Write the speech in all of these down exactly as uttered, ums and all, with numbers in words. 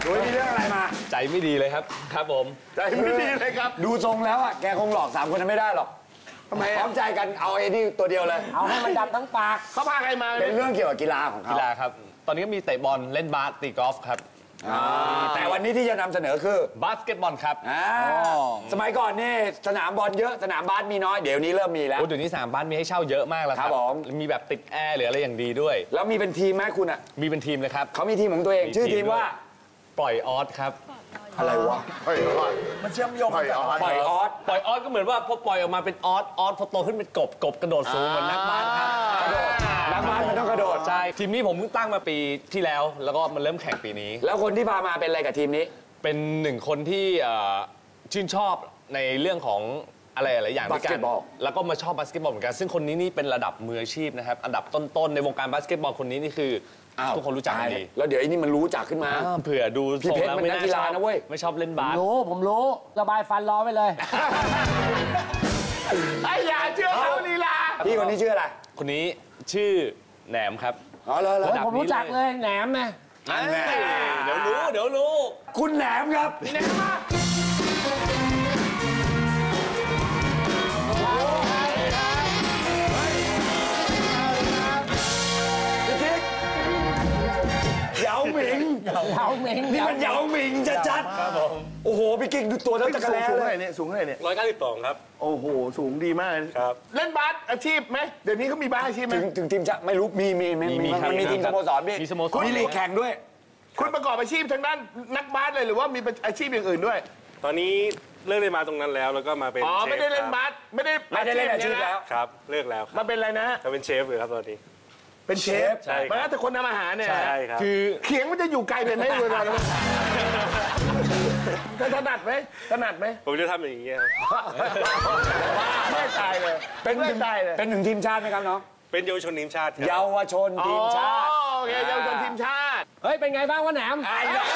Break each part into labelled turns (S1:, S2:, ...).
S1: ดูมีเรื่องอะไรมา
S2: ใจไม่ดีเลยครับครับผม
S1: ใจไม่ดีเลยครับดูทรงแล้วอ่ะแกคงหลอกสามคนนั้นไม่ได้หรอกทำไมพร้อมใจกันเอาไอ้นี่ตัวเดียวเลย
S3: เอาให้มันดำทั้งปาก
S1: เขาพาใครมาเป็นเรื่องเกี่ยวกับกีฬาของเขา
S2: กีฬาครับตอนนี้ก็มีเตะบอลเล่นบาสตีกอล์ฟครับ
S1: แต่วันนี้ที่จะนำเสนอคือบ
S2: าสเกตบอลครับ
S1: สมัยก่อนนี่สนามบอลเยอะสนามบาสมีน้อยเดี๋ยวนี้เริ่มมีแล้ว
S2: เดี๋ยวนี้สนามบาสมีให้เช่าเยอะมากแล้วครับมีแบบติดแอร์หรืออะไรอย่างดีด้วย
S1: แล้วมีเป็นทีมไหมคุณอ่ะ
S2: มีเป็นทีมเลยครับ
S1: เขามีทีมของตัวเองชื่อทีมว่า
S2: ปล่อยออสครับ
S1: อะไรวะ
S4: ปล่อยออส
S1: มันเชื่อมโยงกันปล่อยออส
S2: ปล่อยออสก็เหมือนว่าพอปล่อยออกมาเป็นออสออสพอโตขึ้นเป็นกบกบกระโดดสูงเหมือนนักบาสครับ
S1: กระโดดนักบาสมันต้องกระโดด
S2: ใช่ทีมนี้ผมเพิ่งตั้งมาปีที่แล้วแล้วก็มันเริ่มแข่งปีนี้
S1: แล้วคนที่พามาเป็นอะไรกับทีมนี้
S2: เป็นหนึ่งคนที่ชื่นชอบในเรื่องของอะไรหลายอย่างด้วยกันแล้วก็มาชอบบาสเกตบอลเหมือนกันซึ่งคนนี้นี่เป็นระดับมืออาชีพนะครับอันดับต้นๆในวงการบาสเกตบอลคนนี้นี่คือทุกคนรู้จักกันดี
S1: แล้วเดี๋ยวไอ้นี่มันรู้จักขึ้นมา
S2: เผื่อดู
S1: พี่เพชรมันนักกีฬานะเว้ย
S2: ไม่ชอบเล่นบาส
S3: รู้ผมรู้ระบายฟันรอไว้เลย
S1: ไอ้อย่าเชื่อเขาลีลาพี่คนนี้ชื่ออะไร
S2: คนนี้ชื่อแหนมครับ
S1: อ๋อเลย
S3: ผมรู้จักเลยแหนมไง
S2: เดี๋ยวรู้เดี๋ยวรู้
S1: คุณแหนมครับแหนมมาเหยาหมิง
S3: เหยาหมิง
S1: นี่มันเหยาหมิงจัดๆครับผมโอ้โหพี่กิ๊กดูตัวเท่าจักรแลเลย
S4: เนี่ยสูงเท่าไหร่เนี่ย
S2: ร้อยเก้าสิบสองครับ
S4: โอ้โหสูงดีมาก
S2: ครับ
S4: เล่นบาสอาชีพไหมเดี๋ยวนี้เขามีบาสอาชีพไหม
S1: ถึงทีมจะไม่รู้มีมีมีมันมีทีมสโมสรด้วย
S2: มีสโมสร
S1: มีลีกแข่งด้วย
S4: คุณประกอบอาชีพทางด้านนักบาสเลยหรือว่ามีอาชีพอย่างอื่นด้วย
S2: ตอนนี้เลิกเล่นมาตรงนั้นแล้วแล้วก็มาเป็น
S4: อ๋อไม่ได้เล่นบาสไม่ได้
S1: ไม่ได้เล่นอาชีพแล้ว
S2: ครับเลิกแล้ว
S4: มาเป็นอะไรนะ
S2: มาเป็นเชฟเลยครับตอนนี้
S4: เป็นเชฟ
S2: ใช่
S4: มาแล้วแต่คนทำอาหารเนี่ย
S2: ใช่ครับ
S4: คือเขียงมันจะอยู่ไกลไปไหมเวลาถนัดไหมถนัดไหม
S2: ผมจะทำอย่างเงี้ย
S4: ไม่ตายเลย
S1: เป็นไม่ตายเลยเป็นหนึ่งทีมชาติไหมครับน้อง
S2: เป็นเยาวชนทีมชาติ
S1: เยาวชนทีมชาติ
S4: โอเคเยาวชนทีมชาติ
S3: เฮ้ยเป็นไงบ้างวะแหนม
S1: ไอ้แล้ว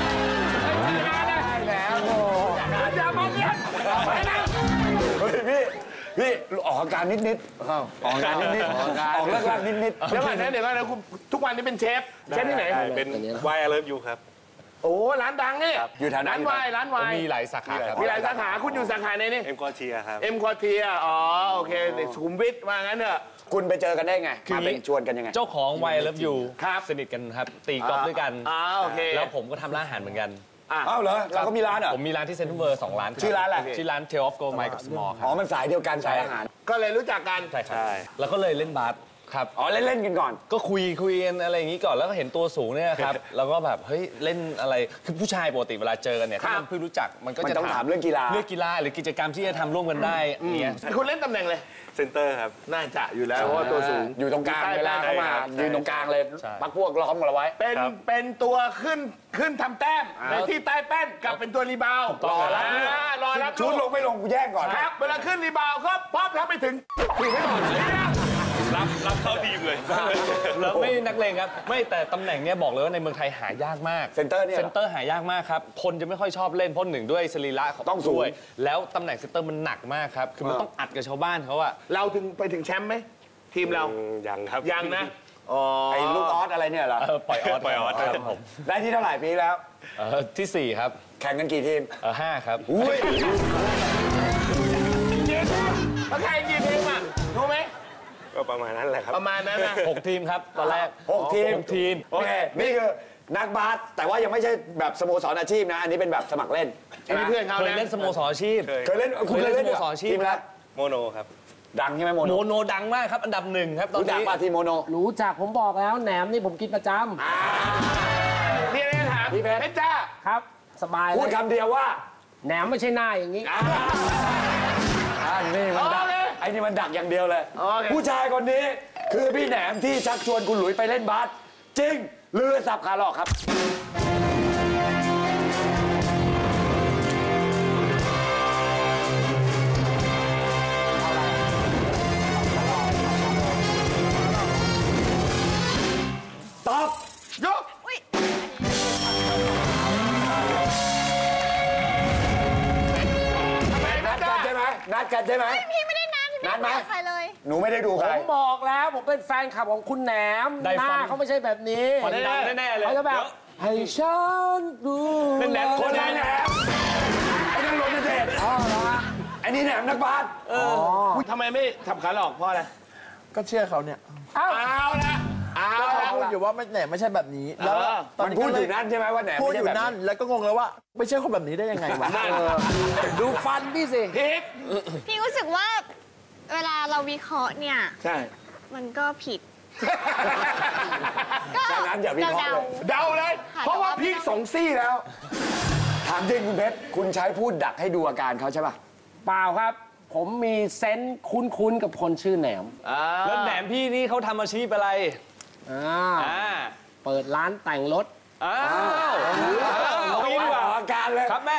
S3: ไอ้แล้ว
S4: อย่ามาเลี้ยงไปนะ
S1: เฮ้ยพี่พี่ออกอาการนิดนิดออกอาการนิดนิดออกเลิกลากนิดนิด
S4: เดี๋ยวก่อนนะเดี๋ยวก่อนนะคุณทุกวันนี้เป็นเชฟเชฟที่ไหน
S2: เป็นวายเลิฟยูครับ
S4: โอ้ร้านดังนี่
S1: อยู่แถว
S4: ร้านวายร้านวาย
S2: มีหลายสาขาครับ
S4: มีหลายสาขาคุณอยู่สาขาไหนนี่
S2: เอ็มควอเทียครับ
S4: เอ็มควอเทียอ๋อโอเคสุขุมวิทว่างั้นเถอะ
S1: คุณไปเจอกันได้ไงมาเป็นชวนกันยังไง
S2: เจ้าของวายเลิฟยูสนิทกันครับตีกอล์ฟด้วยกัน
S4: อ๋อโอเค
S2: แล้วผมก็ทำร้านอาหารเหมือนกัน
S1: อ้าวเหรอเราก็มีร้านเหรอ
S2: ผมมีร้านที่เซ็นทรัลเวิลด์สองร้าน
S1: ชื่อร้านอะไร
S2: ชื่อร้าน Tale of Gold Mine กับ Small ครับ
S1: อ๋อมันสายเดียวกันสายอาหาร
S4: ก็เลยรู้จักกัน
S2: ใช่ใช่แล้วก็เลยเล่นบาสครับ
S1: อ๋อเล่นเล่นกันก่อน
S2: ก็คุยคุยกันอะไรอย่างนี้ก่อนแล้วก็เห็นตัวสูงเนี่ยครับแล้วก็แบบเฮ้ยเล่นอะไรคือผู้ชายปกติเวลาเจอกันเนี่ยถ้ามันเพิ่งรู้จักมันก็จะ
S1: ต้องถามเรื่องกีฬา
S2: เรื่องกีฬาหรือกิจกรรมที่จะทำร่วมกันได้เนี่ย
S4: คุณเล่นตำแหน่งเลย
S2: เซนเตอร์ครับ
S4: น่าจะอยู่แล้วเพราะว่าตัวสูง
S1: อยู่ตรงกลางเวลาเข้ามายืนตรงกลางเลยปักพวกล้อมกันเอาไว้
S4: เป็นเป็นตัวขึ้นขึ้นทำแต้มในที่ใต้แป้นกับเป็นตัวรีบาว
S1: รอรับ
S4: รอรับ
S1: ชุดลงไม่ลงกูแย่งก่อน
S4: ครับเวลาขึ้นรีบาวก็พร้อมรับไปถึงถึงไม่ก่อน
S2: รับรับเข้าทีมเลยแล้วไม่นักเลงครับไม่แต่ตำแหน่งเนี้ยบอกเลยว่าในเมืองไทยหายากมาก
S1: เซนเตอร์เนี่ย
S2: เซนเตอร์หายากมากครับคนจะไม่ค่อยชอบเล่นเพราะหนึ่งด้วยสรีระ
S1: ต้องสูง
S2: แล้วตำแหน่งเซนเตอร์มันหนักมากครับคือมันต้องอัดกับชาวบ้านเขาอะ
S4: เราถึงไปถึงแชมป์ไหมทีมเรา
S2: ยังครับ
S4: ยังนะ
S1: ไอ้ลูกออสอะไรเนี่ยเหรอ
S2: ปล่อยออสปล่อยออสครับผม
S1: ได้ที่เท่าไหร่ปีแล้ว
S2: ที่สี่ครับ
S1: แข่งกันกี่ทีม
S2: ห้าครับ
S1: อุ้ย
S4: มาแข่งกี่ทีมอ่ะรู้ไหม
S2: ก็ประมาณนั้นแหละครับ
S4: ประมาณนั้นนะ
S2: หกทีมครับตอนแรก
S1: หกทีม
S2: หกทีม
S1: โอเคนี่คือนักบาสแต่ว่ายังไม่ใช่แบบสโมสรอาชีพนะอันนี้เป็นแบบสมัครเล่น
S4: อันนี้เพื่อนเขา
S2: เคยเล่นสโมสรอาชีพ
S1: เคยเล่นคุณเคยเล่นสโมสรอาชีพแล้ว
S2: โมโนครับ
S1: ดังใช่ไหมโมโน
S2: โมโนดังมากครับอันดับหนึ่งครับตอนนี้
S1: รู้จักป่ะทีโมโน
S3: รู้จักผมบอกแล้วแหนมนี่ผมกินประจ
S4: ำนี่นี่ถามพี่เพชรจ้า
S3: ครับสบาย
S1: พูดคำเดียวว่า
S3: แหนมไม่ใช่หน้าอย่างนี้
S1: อ่านี่มันดักไอ้นี่มันดักอย่างเดียวเลยผู้ชายคนนี้คือพี่แหนมที่ชักชวนคุณหลุยไปเล่นบาสจริงหรือสับขาหลอกครับตอบ
S4: ยก
S1: นัดกันใช่ไหมนัดกันใช่ไหม
S5: พี่ไม่ได้นัดนัดไหมใครเลย
S1: หนูไม่ได้ดูใคร
S3: ผมบอกแล้วผมเป็นแฟนคลับของคุณแหนมหน้าเขาไม่ใช่แบบนี้
S2: คนดังแน่ๆเลย
S3: เขาจะแบบให้ฉันรู้
S2: เป็นแหนม
S1: คนละแหนมไอ้นั่นรถเด็ด
S3: อ๋อเหรอฮะ
S1: ไอ้นี่แหนมนักบาส
S4: ทำไมไม่ทำขาหลอกเพราะอะไร
S6: ก็เชื่อเขาเนี่ย
S4: เอาละเอา
S6: เขา
S4: ละ
S6: พูดอยู่ว่าไม่แหนไม่ใช่แบบนี้ แล้ว
S4: เออ
S6: ตอน
S1: มัน
S6: นี้
S1: พูด
S6: ก็เล
S1: อยู่นั่นใช่ไหมว่าแหนม
S6: พูด
S1: ไม่
S6: อ
S1: ใช่
S6: ยู่
S1: แบบ
S6: นั่น แล้วก็งงแล้วว่า ไม่ใช่คนแบบนี้ได้ยังไงวะ
S3: ดูฟันพี่สิ
S4: พิก
S5: พี่รู้สึกว่า เวลาเราวิเคราะห์เนี่ย
S4: ใช่
S5: มันก็ผิด
S1: ดังนั้นอย่าวิเคราะห์เลย
S4: เดาเลย เพราะว่าพีกสองซี่แล้ว
S1: ถามจริงคุณเพชรคุณใช้พูดดักให้ดูอาการเขาใช่ป่ะ
S3: เปล่าครับ ผมมีเซนส์คุ้นๆกับคนชื่อแหนม
S2: แล้วแหนมพี่นี่เขาทำอาชีพอะไร
S3: อ่า
S2: อ่า
S3: เปิดร้านแต่งรถ
S2: อ้าวเอางี้ดีกว่า
S1: ออกอาการเลย
S2: ครับแม่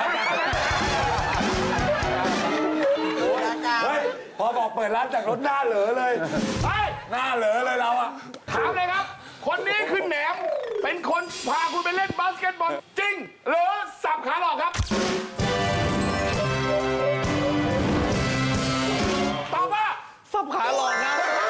S1: เฮ้ยพอบอกเปิดร้านแต่งรถหน้าเหลอเลย
S4: ไป
S1: หน้าเหลอเลยเราอะ
S4: ถามเลยครับ คนนี้คือแหนม เป็นคนพาคุณไปเล่นบาสเกตบอลจริง หรือสับขาหลอกครับ ตอบว่า
S2: สับขาหลอกนะ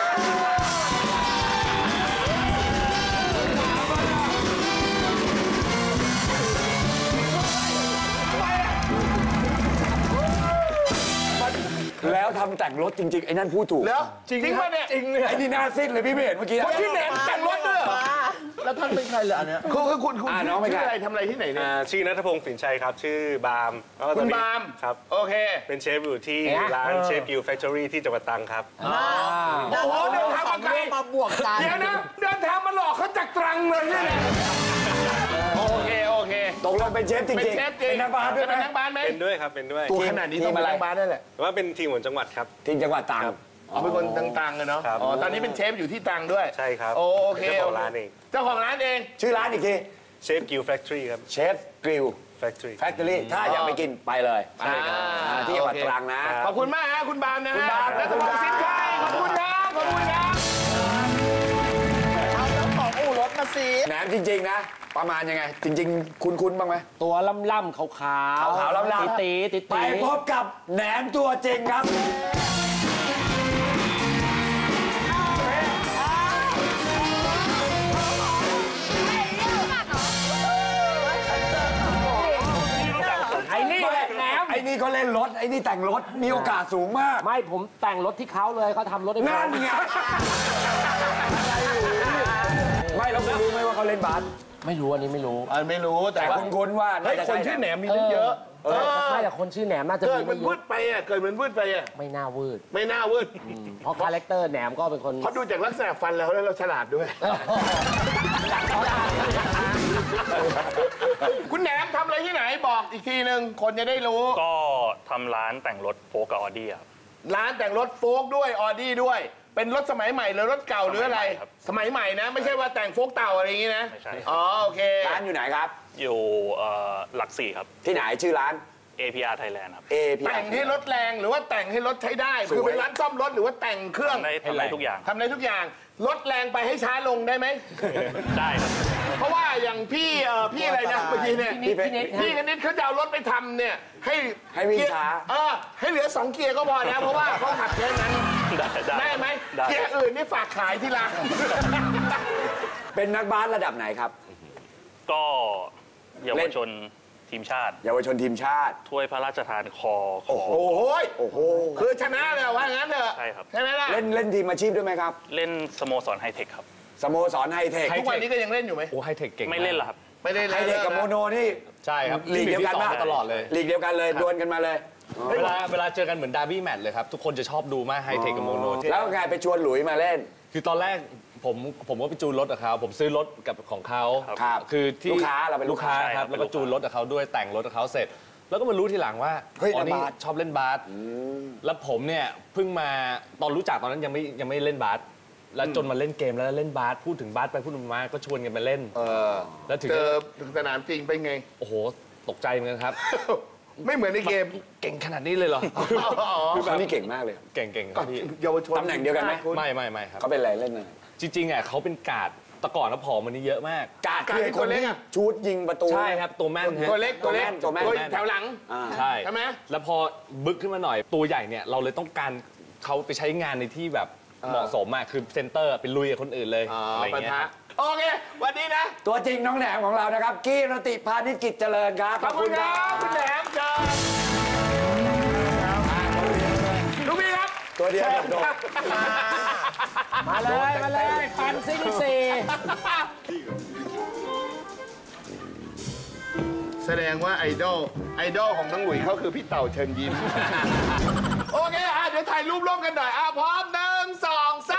S1: แล้วทำแต่งรถจริงๆไอ้นั่นพูดถูก
S4: แล้วจริงป่ะเนี่ย
S1: จริงเลยไอ้นี่หน้าซิดเลยพี่ไม่เห็นเมื่อกี้
S4: คนที่แหนมแต่งรถด้วยเหรอ
S6: แล้วท่านเป็นใครเหรออันเนี้ย
S4: คือคือคุณคุณ
S1: อ่าน้องเป็น
S4: ชื่
S1: ใคร
S4: ออะไรทำอะไรที่ไหนเนี่ย
S7: อ่าชื่อนัทพงศ์ฝิ่นชัยครับ ชื่อบาล์มแล้วก็ต
S4: คุ
S7: อน
S4: ณ
S7: นี้
S4: บาล์ม
S7: ครับ
S4: โอเค
S7: เป็นเชฟอยู่ที่
S3: เอ๊ะ
S7: ร้านเชฟกิวแฟคทอรี่ที่จังหวัดตรังครับ
S4: โอ้โหเดินทางมาไกล
S6: มาบวกกัน
S4: เดี๋ยวนะเดินทางมาหลอกเขาจากตรังเลยเนี่ยโอเคโอเค
S1: ตกลงเป็นเชฟจริงๆ
S4: เป็นเชฟจริง
S1: เป็นนักบาสด้วยไหม
S4: เป็นนักบาสไหม
S7: เป็นด้วยครับ เป็นด้วย
S4: ตัวขนาดนี้ต้องเป็นนักบาสได้แหละ
S7: แต่ว่าเป็นทีมของจังหวัดครับ
S1: ทีมจังหวัดตรัง
S7: ครับ
S4: เอาเป็นคนต่างๆเลยเนาะ
S7: ครับ
S4: อ๋อตอนนี้เป็นเชฟอยู่ที่ตรังด้วย
S7: ใช่ครับ
S4: โอโอเค
S7: เป็นเจ้าของร้านเอง
S4: เจ้าของร้านเอง
S1: ชื่อร้านอีกที
S7: เชฟกิวแฟคทอรี่ครับ
S1: เชฟกริล
S7: แฟคทอรี่
S1: แฟคทอรี่ถ้าอยากไปกินไปเลย
S4: อ่า
S1: อ่าที่จังหวัด
S4: โอเค
S1: ตรังนะ
S4: ขอบคุณมากฮะคุณบาล์มนะ
S1: คุณ
S4: ฮะ
S1: บาล์ม
S4: และคุณสินชัยขอบคุณครับขอบคุณครับ
S6: เอาเจ้าของอู่รถมาสิ
S1: แหนมจริง ๆ นะ ประมาณยังไง จริง ๆ คุ้นๆบ้างไหม
S3: ตัวล่ำๆขาวๆ
S1: ขาวๆล่ำๆ
S3: ตีๆตี
S1: ไปพบกับแหนมตัวจริงครับ
S3: ไอ้นี่แหละแหนม
S1: ไอ้นี่ก็เล่นรถ ไอ้นี่แต่งรถ มีโอกาสสูงมาก
S3: ไม่ผมแต่งรถที่เขาเลยเขาทำรถให้ผม
S1: นั่นไง ไม่แล้วคุณรู้ไหมว่าเขาเล่นบาส
S3: ไม่รู้อันนี้ไม่รู้
S4: อันไม่รู้แต่
S1: แต่
S4: ว่า
S1: คุณคุ้นๆว่า
S4: เฮ้ย
S1: าจะ
S4: คน
S1: ใ
S4: ชื่อแหนมมีตั้งเยอะ
S3: เออไม่แต่คนชื่อแหนมน่าจะ
S4: เกิ
S3: มี
S4: ดมั
S3: ไม่
S4: น
S3: เย
S4: วื
S3: อะ
S4: ดไปอ่ะเกิดมันวืดไปอ่ะ
S3: ไม่น่าวืด
S4: ไม่น่าวืด
S3: เพราะคาแรคเตอร์แหนมก็เป็นคน
S4: เพราะดูจากลักษณะฟันแล้วแล้วเราฉลาดด้วย คุณแหนมทำอะไรที่ไหนบอกอีกทีหนึ่งคนจะได้รู้
S8: ก็ทำร้านแต่งรถโฟล์กกับออดี้ครับ
S4: ร้านแต่งรถโฟล์กด้วยออดี้ด้วย เป็นรถสมัยใหม่หรือรถเก่าหรืออะไร
S8: สมัยใหม่ครับ
S4: สมัยใหม่นะ ไม่ใช่ว่าแต่งโฟล์กเต่าอะไรอย่างงี้นะ
S8: ไม่ใช่
S4: อ๋อโอเค
S1: ร้านอยู่ไหนครับ
S8: อยู่เอ่อหลักสี่ครับ
S1: ที่ไหนชื่อร้าน
S8: เอ พี อาร์ Thailand ครับ
S1: A P
S4: แต่งให้รถแรงหรือว่าแต่งให้รถใช้ได้
S1: สวย
S4: คือเป็นร้านซ่อมรถหรือว่าแต่งเครื่อง
S8: ทำได้ทำได้ทุกอย่าง
S4: ทำได้ทุกอย่างลดแรงไปให้ช้าลงได้ไหม
S8: ได้ครับ
S4: เพราะว่าอย่างพี่เอ่อพี่อะไรนะเมื่อกี้เนี่ย
S3: พี่นิดพี่นิด
S4: พี่คณิตเขาจะเอารถไปทำเนี่ยให้
S1: ให้วิ่ง
S4: เกียร์
S1: ช้า
S4: เออให้เหลือสองเกียร์ก็พอแล้วเพราะว่าเขาขับแค่นั้น
S8: ได้ได้
S4: ได้ไหม
S8: ได้
S4: เกียร์อื่นนี่ฝากขายที่ร้าน
S1: เป็นนักบาสระดับไหนครับ
S8: ก็เยาวชนทีมชาติ
S1: เยาวชนทีมชาติ
S8: ถ้วยพระราชทานคอข
S1: โอ้
S8: อ
S1: โห
S4: โอ้โหย
S1: โอ้โห
S4: คือชนะเลยว่างั้นเถอะ
S8: ใช่ครับ
S4: ใช่ไหมล่ะ
S1: เล่นเล่นทีมอาชีพด้วยไหมครับ
S8: เล่นสโมสรไฮเทคครับ
S1: สโมสรไฮเทค
S4: ทุกวันนี้ก็ยังเล่นอยู่ไหม
S2: โอ้ไฮเทคเก่งาก
S8: ไม่เล่นเหรอครับ
S4: ไม่ได้
S1: ไฮ
S4: เล่น
S1: เทคกับโมโนนี่
S2: ใช่ครับ
S1: ลีกเดียวกัน
S2: ที่
S1: มาก
S2: สองตลอดเลย
S1: ลีกเดียวกันเลยดวลกันมาเลย
S2: เวลาเวลาเจอกันเหมือนดาร์บี้แมตช์เลยครับ ทุกคนจะชอบดูมากไฮเทคกับโมโน
S1: แล้วไงไปชวนหลุยมาเล่น
S2: คือตอนแรกผมผมก็ไปจูนรถกับเขาผมซื้อรถกับของเขา
S1: ครับ
S2: คือที่
S1: ลูกค้าเราเป็นลู
S2: ลู
S1: ก
S2: ก
S1: ค้า
S2: ค้าครับ
S8: ใช่ครับ
S2: แล้วก็จูนรถกับเขาด้วยแต่งรถกับเขาเสร็จ แล้วก็มารู้ทีหลังว่า
S1: เฮ้ย
S2: อ๋อนี่
S1: เล่นบาส
S2: ชอบเล่นบาสแล้วผมเนี่ยเพิ่งมาตอนรู้จักตอนนั้นยังไม่ยังไม่เล่นบาสแล้วจนมาเล่นเกมแล้วเล่นบาสพูดถึงบาสไปพูดมาก็ชวนกันไปเล่น
S4: เออ
S2: แล้วถึง
S4: เจ
S2: จะ
S4: อถึงสนามจริงเป็นไง
S2: โอ้โหตกใจเหมือนกันครับ
S4: ไม่เหมือนในเกม
S2: เก่งขนาดนี้เลยเหรอ
S1: คือเขานี่เก่งมากเลย
S2: เก่งๆครับพี่
S4: เยาวชน
S1: ตำแหน่งเดียวกันไหม
S2: ไม่ไม่ไม่ครับ
S1: เขาเป็นอะไรเล่นอะไร
S2: จริงๆอ่ะเขาเป็นการ์ดแต่ก่อนแล้วผอมมันนี่เยอะมาก
S1: กาดคือไอ้คนที่ชูดยิงประตู
S2: ใช่ครับตัวแม่นฮะ
S4: ตัวเล็กตัวเล็ก
S1: ตัวแม่นตัวแม่น
S4: แถวหลัง
S1: อ่า
S2: ใช่
S4: ใช่ไหม
S2: แล้วพอบึกขึ้นมาหน่อยตัวใหญ่เนี่ยเราเลยต้องการเขาไปใช้งานในที่แบบเหมาะสมมากคือเซนเตอร์ไปลุยกับคนอื่นเลย
S4: อ๋อ
S2: อะไรอย่างเงี้ย
S4: ปะทะ
S2: ครับ
S4: โอเค วันนี้นะ
S1: ตัวจริงน้องแหนมของเรานะครับ กี้รติพานิชกิจเจริญครับ
S4: ขอบคุณครับคุณแหนมเชิญลูกพี่ครับ
S1: ตัวเดียวโดด
S3: มาเลยมาเลยปันซิงสี่
S4: แสดงว่าไอดอลไอดอลของน้องหลุยเขาคือพี่เต่าเชิญยิ้ม โอเคอ่ะเดี๋ยวถ่ายรูปร่วมกันหน่อยอ่ะพร้อมหนึ่งสองสาม